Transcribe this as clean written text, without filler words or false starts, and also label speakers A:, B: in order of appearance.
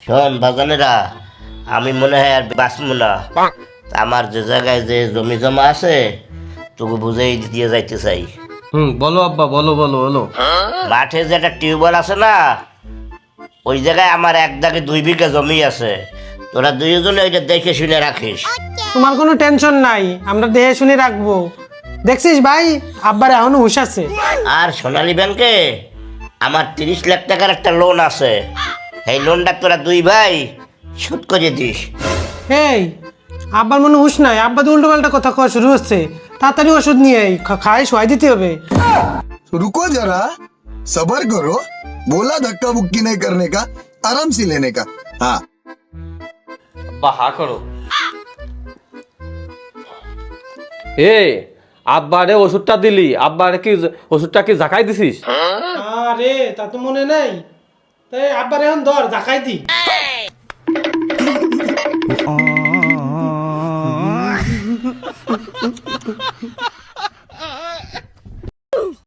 A: শোন বাজানেরা, আমি মনে হয় আর বাঁচবো না। আমার যে জায়গায় যে জমি জমা আছে তোকে বুঝাই দিয়ে যাইতে চাই।
B: বলো আব্বা, বলো বলো বলো।
A: মাঠে যে একটা টিউবওয়েল আছে না, ওই জায়গায় আমার 1 দাগে 2 বিঘা জমি আছে। তোরা দুইজনে ওইটা দেখে শুনে রাখিস।
C: তোমার কোনো টেনশন নাই, আমরা দেখে শুনে রাখবো। দেখছিস ভাই, আব্বার এখনো হুঁশ আছে।
A: আর সোনালী ব্যাংকে আমার 30 লাখ টাকার একটা লোন আছে। এই লোনটা তোরা 2 ভাই শোধ করে দিস।
C: এই, আব্বার মনে হুঁশ নাই, আব্বা তো উল্টো পাল্টা কথা কওয়া শুরু হচ্ছে। তাড়াতাড়ি ওষুধ নিয়ে আই, খাই শোয়াই দিতে হবে।
D: रुको जरा, सबर करो। बोला धक्का बुक्की नहीं करने का, आराम से लेने का। हाँ
B: আব্বা হা করো। এ আব্বারে ওষুধটা দিলি, আব্বারে কি ওষুধটা কি জাকাই দিছিস?
C: আরে তা তো মনে নাই, তাই আব্বার এখন ধর জাকাই দি।